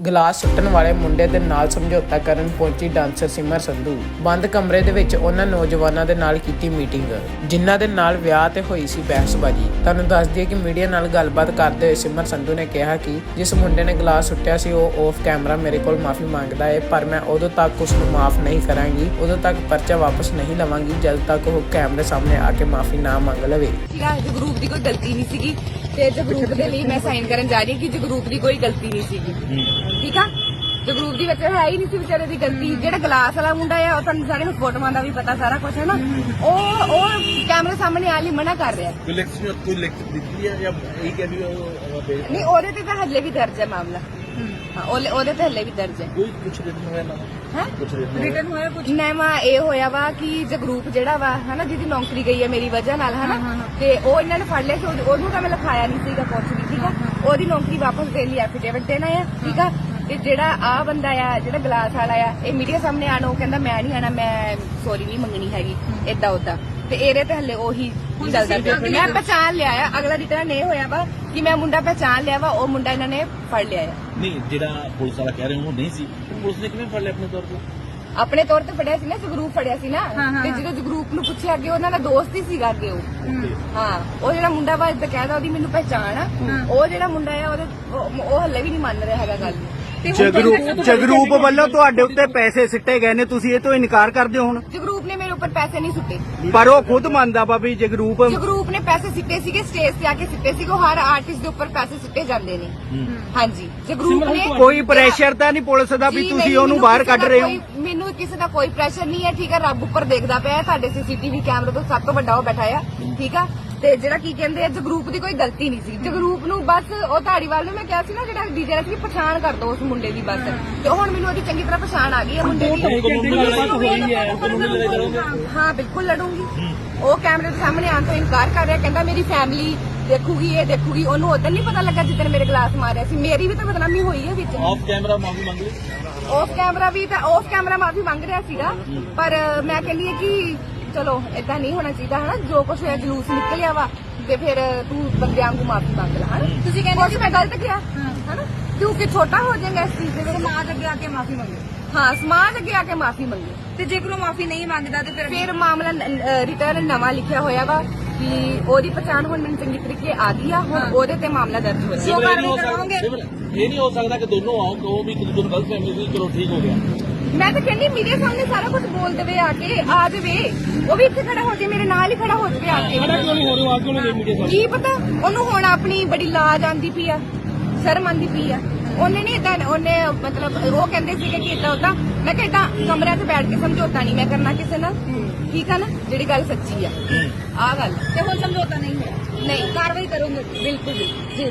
Glass ਸੁੱਟਣ ਵਾਲੇ ਮੁੰਡੇ ਦੇ ਨਾਲ ਸਮਝੌਤਾ ਕਰਨ ਪਹੁੰਚੀ ਡਾਂਸਰ ਸਿਮਰ ਸੰਧੂ। ਬੰਦ ਕਮਰੇ ਦੇ ਵਿੱਚ ਉਹਨਾਂ ਨੌਜਵਾਨਾਂ ਦੇ ਨਾਲ ਕੀਤੀ ਮੀਟਿੰਗ, ਜਿਨ੍ਹਾਂ ਦੇ ਨਾਲ ਵਿਆਹ ਤੇ ਹੋਈ ਸੀ ਬਹਿਸਬਾਜ਼ੀ। ਤੁਹਾਨੂੰ ਦੱਸ ਦਈਏ ਕਿ ਮੀਡੀਆ ਨਾਲ ਗੱਲਬਾਤ ਕਰਦੇ ਹੋਏ ਸਿਮਰ ਸੰਧੂ ਨੇ ਕਿਹਾ ਕਿ ਜਿਸ ਮੁੰਡੇ ਨੇ ਗਲਾਸ ਸੁੱਟਿਆ ਸੀ ਉਹ ਆਫ ਕੈਮਰਾ ਮੇਰੇ ਕੋਲ ਮਾਫੀ ਮੰਗਦਾ ਹੈ, ਪਰ ਮੈਂ ਉਦੋਂ ਤੱਕ ਉਸ ਨੂੰ ਮਾਫ ਨਹੀਂ ਕਰਾਂਗੀ, ਉਦੋਂ ਤੱਕ ਪਰਚਾ ਵਾਪਸ ਨਹੀਂ ਲਵਾਂਗੀ ਜਦ ਤੱਕ ਉਹ ਕੈਮਰੇ ਸਾਹਮਣੇ ਆ ਕੇ ਮਾਫੀ ਨਾ ਮੰਗ ਲਵੇ। ਜਗਰੂਪ ਦੀ ਕੋਈ ਗਲਤੀ ਨਹੀਂ ਸੀਗੀ ਤੇ ਜਗਰੂਪ ਦੇ ਲਈ ਮੈਂ ਸਾਈਨ ਕਰਨ ਜਾ ਰਹੀ ਹਾਂ ਕਿ ਜਗਰੂਪ ਦੀ ਕੋਈ ਗਲਤੀ ਨਹੀਂ ਸੀਗੀ। ਠੀਕ ਆ, ਜਗਰੂਪ ਦੀ ਵਿੱਚ ਹੈ ਹੀ ਨਹੀਂ ਸੀ ਵਿਚਾਰੇ ਦੀ ਗਲਤੀ। ਜਿਹੜਾ ਗਲਾਸ ਵਾਲਾ ਮੁੰਡਾ ਆ ਉਹ ਤੁਹਾਨੂੰ ਸਾਰੇ ਨੂੰ ਫੋਟੋਆਂ ਦਾ ਵੀ ਪਤਾ ਸਾਰਾ ਕੁਝ ਹੈ ਨਾ, ਉਹ ਕੈਮਰੇ ਸਾਹਮਣੇ ਆ ਲਈ ਮਨਾ ਕਰ ਰਿਹਾ। ਕੋਈ ਲਿਖਤ ਦਿੱਤੀ ਹੈ ਜਾਂ ਇਹ ਕਿ ਵੀ ਨਹੀਂ, ਉਹਦੇ ਤੇ ਤਾਂ ਹੱਲੇ ਵੀ ਦਰਜ ਹੈ ਮਾਮਲਾ। ਹਾਂ, ਉਹਦੇ ਤੇ ਹੱਲੇ ਵੀ ਦਰਜ ਹੈ। ਕੋਈ ਕੁਛ ਰਿਟਨ ਹੋਇਆ ਨਾ ਹੈ ਕੁਛ ਰਿਟਨ ਹੋਇਆ ਕੁਝ ਨਵਾਂ ਇਹ ਹੋਇਆ ਵਾ ਕਿ ਜਗਰੂਪ ਜਿਹੜਾ ਵਾ ਹਨਾ ਜਿਹਦੀ ਨੌਕਰੀ ਗਈ ਹੈ ਮੇਰੀ ਵਜ੍ਹਾ ਨਾਲ ਹਨਾ, ਤੇ ਉਹ ਇਹਨਾਂ ਨੇ ਫੜ ਲਿਆ ਕਿ ਉਹਨੂੰ ਤਾਂ ਮੈਂ ਲਿਖਾਇਆ ਨਹੀਂ ਸੀਗਾ ਕੁਛ ਵੀ। ਠੀਕ ਆ, ਉਹਦੀ ਨੌਕਰੀ ਵਾਪਸ ਦੇਣ ਲਈ ਐਫੀਡੇਵਿਟ ਦੇਣਾ ਆ। ਠੀਕ ਆ, ਤੇ ਜਿਹੜਾ ਆ ਬੰਦਾ ਆ ਜਿਹੜਾ ਗਲਾਸ ਵਾਲਾ ਆ ਇਹ ਮੀਡੀਆ ਸਾਹਮਣੇ ਆਣਾ, ਉਹ ਕਹਿੰਦਾ ਮੈਂ ਨਹੀਂ ਆਣਾ, ਮੈਂ ਸੌਰੀ ਨਹੀਂ ਮੰਗਣੀ ਹੈਗੀ ਏਦਾਂ ਉਦਾਂ। ਤੇ ਇਹਦੇ ਤੇ ਹੱਲੇ ਉਹੀ ਚੱਲਦਾ ਪਿਆ। ਮੈਂ ਪਹਿਚਾਣ ਲਿਆ ਆ, ਅਗਲਾ ਰਿਟਰਨ ਇਹ ਹੋਇਆ ਵਾ ਕਿ ਮੈਂ ਮੁੰਡਾ ਪਹਿਚਾਣ ਲਿਆ ਵਾ, ਉਹ ਮੁੰਡਾ ਇਹਨਾਂ ਨੇ ਫੜ ਲਿਆ ਆ। ਨਹੀਂ, ਜਿਹੜਾ ਪੁਲਿਸ ਵਾਲਾ ਕਹਿ ਰਹੇ ਉਹ ਨਹੀਂ ਸੀ, ਪੁਲਿਸ ਨੇ ਕਿਵੇਂ ਫੜ ਲਿਆ ਆਪਣੇ ਤੌਰ ਤੇ? ਆਪਣੇ ਤੌਰ ਤੇ ਫੜਿਆ ਸੀ ਨਾ, ਜਗਰੂਪ ਫੜਿਆ ਸੀ ਨਾ। ਤੇ ਜਦੋਂ ਜਗਰੂਪ ਨੂੰ ਪੁੱਛਿਆ ਅੱਗੇ ਉਹਨਾਂ ਦਾ ਦੋਸਤ ਹੀ ਸੀਗਾ ਅੱਗੇ ਉਹ। ਹਾਂ, ਉਹ ਜਿਹੜਾ ਮੁੰਡਾ ਵਾ ਬਕਾਇਦਾ ਉਹਦੀ ਮੈਨੂੰ ਪਹਿਚਾਣ ਆ। ਉਹ ਜਿਹੜਾ ਮੁੰਡਾ ਆ ਉਹਦੇ ਉਹ ਹੱਲੇ ਵੀ ਨਹੀਂ ਮੰਨ ਰਿਹਾ ਹੈਗਾ ਗੱਲ। ਜਗਰੂਪ ਵੱਲੋਂ ਤੁਹਾਡੇ ਉੱਤੇ ਪੈਸੇ ਸਿੱਟੇ ਗਏ ਨੇ, ਤੁਸੀਂ ਇਹ ਤੋਂ ਇਨਕਾਰ ਕਰਦੇ ਹੋ ਹੁਣ? ਜਗਰੂਪ ਨੇ ਮੇਰੇ ਉੱਪਰ ਪੈਸੇ ਨਹੀਂ ਸੁੱਟੇ, ਪਰ ਉਹ ਖੁਦ ਮੰਨਦਾ ਵਾ ਵੀ ਜਗਰੂਪ ਨੇ ਪੈਸੇ ਸਿੱਟੇ ਸੀਗੇ, ਸਟੇਜ ਤੇ ਆ ਕੇ ਸਿੱਟੇ ਸੀਗੇ। ਹਰ ਆਰਟਿਸਟ ਦੇ ਉੱਪਰ ਪੈਸੇ ਸਿੱਟੇ ਜਾਂਦੇ ਨੇ। ਹਾਂਜੀ, ਜਗਰੂਪ ਨੇ ਕੋਈ ਪ੍ਰੈਸ਼ਰ ਤਾਂ ਨਹੀਂ ਪੁਲਿਸ ਦਾ ਵੀ ਤੁਸੀਂ ਉਹਨੂੰ ਬਾਹਰ ਕੱਢ ਰਹੇ ਹੋ? ਮੈਨੂੰ ਕਿਸੇ ਦਾ ਕੋਈ ਪ੍ਰੈਸ਼ਰ ਨਹੀਂ ਹੈ। ਠੀਕ ਹੈ, ਰੱਬ ਉੱਪਰ ਦੇਖਦਾ ਪਿਆ, ਤੁਹਾਡੇ ਸੀਸੀਟੀਵੀ ਕੈਮਰੇ ਤੋਂ ਸਭ ਤੋਂ ਵੱਡਾ ਉਹ ਬੈਠਾ ਆ। ਠੀਕ ਆ, ਤੇ ਜਿਹੜਾ ਕੀ ਕਹਿੰਦੇ ਆ ਜਗਰੂਪ ਦੀ ਕੋਈ ਗਲਤੀ ਨਹੀਂ ਸੀ। ਜਗਰੂਪ ਨੂੰ ਬਸ ਉਹ ਧਾੜੀਵਾਲ ਨੂੰ ਮੈਂ ਕਿਹਾ ਸੀ ਨਾ ਜਿਹੜਾ ਡੀਜੇ ਸੀ ਪਛਾਣ ਕਰ ਦੋ ਉਸ ਮੁੰਡੇ ਦੀ ਬਸ, ਤੇ ਹੁਣ ਮੈਨੂੰ ਉਹਦੀ ਚੰਗੀ ਤਰ੍ਹਾਂ ਪਛਾਣ ਆ ਗਈ ਹੈ ਮੁੰਡੇ ਦੀ। ਹਾਂ ਬਿਲਕੁਲ ਲੜੂੰਗੀ। ਉਹ ਕੈਮਰੇ ਦੇ ਸਾਹਮਣੇ ਆਉਣ ਤੋਂ ਇਨਕਾਰ ਕਰ ਰਿਹਾ, ਕਹਿੰਦਾ ਮੇਰੀ ਫੈਮਿਲੀ ਦੇਖੂਗੀ, ਇਹ ਦੇਖੂਗੀ। ਉਹਨੂੰ ਉਦੋਂ ਨਹੀਂ ਪਤਾ ਲੱਗਾ ਜਿੱਦਣ ਮੇਰੇ ਗਲਾਸ ਮਾਰਿਆ ਸੀ। ਮੇਰੀ ਵੀ ਤਾਂ ਬਦਨਾਮੀ ਹੋਈ ਹੈ ਵਿੱਚ। ਆਫ ਕੈਮਰਾ ਮਾਫੀ ਮੰਗ ਲਈ? ਆਫ ਕੈਮਰਾ ਵੀ ਤਾਂ ਆਫ ਕੈਮਰਾ ਮਾਫੀ ਮੰਗ ਰਿਹਾ ਸੀਗਾ, ਪਰ ਮੈਂ ਕਹਿੰਦੀ ਹਾਂ ਕਿ ਚਲੋ ਏਦਾਂ ਨਹੀਂ ਹੋਣਾ ਚਾਹੀਦਾ ਹਨਾ। ਜੋ ਕੁਛ ਹੋਇਆ ਜਲੂਸ ਨਿਕਲਿਆ ਵਾ ਤੇ ਫਿਰ ਤੂੰ ਬੰਦਿਆਂ ਨੂੰ ਮਾਫੀ ਮੰਗ ਲੈ ਹਨਾ। ਤੁਸੀਂ ਕਹਿੰਦੇ ਮੈਂ ਗਲਤ ਕਿਹਾ ਹਨਾ, ਕਿਉਂਕਿ ਛੋਟਾ ਹੋ ਜਾਏਗਾ ਇਸ ਚੀਜ਼ ਦੇ ਵਿੱਚ। ਸਮਾਜ ਅੱਗੇ ਆ ਕੇ ਮਾਫੀ ਮੰਗੇ। ਹਾਂ, ਸਮਾਜ ਅੱਗੇ ਆ ਕੇ ਮਾਫੀ ਮੰਗੇ। ਤੇ ਜੇਕਰ ਉਹ ਮਾਫੀ ਨਹੀਂ ਮੰਗਦਾ ਤੇ ਫਿਰ ਮਾਮਲਾ ਰਿਟਰਨ ਨਵਾਂ ਲਿਖਿਆ ਹੋਇਆ ਵਾ ਕਿ ਉਹਦੀ ਪਛਾਣ ਹੁਣ ਮੈਨੂੰ ਚੰਗੀ ਤਰੀਕੇ ਆ ਗਈ ਆ। ਹੁਣ ਉਹਦੇ ਤੇ ਮਾਮਲਾ ਦਰਜ ਹੋਇਆ। ਇਹ ਨਹੀਂ ਹੋ ਸਕਦਾ ਕਿ ਦੋਨੋਂ ਆਓ ਕਹੋ ਵੀ ਇੱਕ ਦੂਜੇ ਨੂੰ ਗਲਤ ਫਹਿਮੀ ਸੀ, ਚਲੋ ਠੀਕ ਹੋ ਗਿਆ। ਮੈਂ ਤਾਂ ਕਹਿੰਦੀ ਮੀਡੀਆ ਸਾਹਮਣੇ ਸਾਰਾ ਕੁਝ ਬੋਲ ਦੇਵੇ, ਆ ਕੇ ਆ ਜਾਵੇ। ਉਹ ਵੀ ਇੱਥੇ ਖੜਾ ਹੋ ਜਾਵੇ, ਮੇਰੇ ਨਾਲ ਹੀ ਖੜਾ ਹੋ ਜਾਵੇ ਆ ਕੇ। ਕੀ ਪਤਾ ਉਹਨੂੰ ਹੁਣ ਆਪਣੀ ਬੜੀ ਲਾਜ ਆਂਦੀ ਪਈ ਆ, ਸ਼ਰਮ ਆਂਦੀ ਪਈ ਆ। ਉਹਨੇ ਨਹੀਂ ਏਦਾਂ, ਉਹਨੇ ਮਤਲਬ ਉਹ ਕਹਿੰਦੇ ਸੀਗੇ ਕਿ ਏਦਾਂ ਉਦਾਂ। ਮੈਂ ਕਿਹਾ ਏਦਾਂ ਕਮਰਿਆਂ 'ਚ ਬੈਠ ਕੇ ਸਮਝੌਤਾ ਨਹੀਂ ਮੈਂ ਕਰਨਾ ਕਿਸੇ ਨਾਲ। ਠੀਕ ਆ ਨਾ, ਜਿਹੜੀ ਗੱਲ ਸੱਚੀ ਆ ਆਹ ਗੱਲ। ਤੇ ਹੁਣ ਸਮਝੌਤਾ ਨਹੀਂ ਹੋਇਆ, ਨਹੀਂ ਕਾਰਵਾਈ ਕਰੂੰਗੇ ਬਿਲਕੁਲ ਜੀ।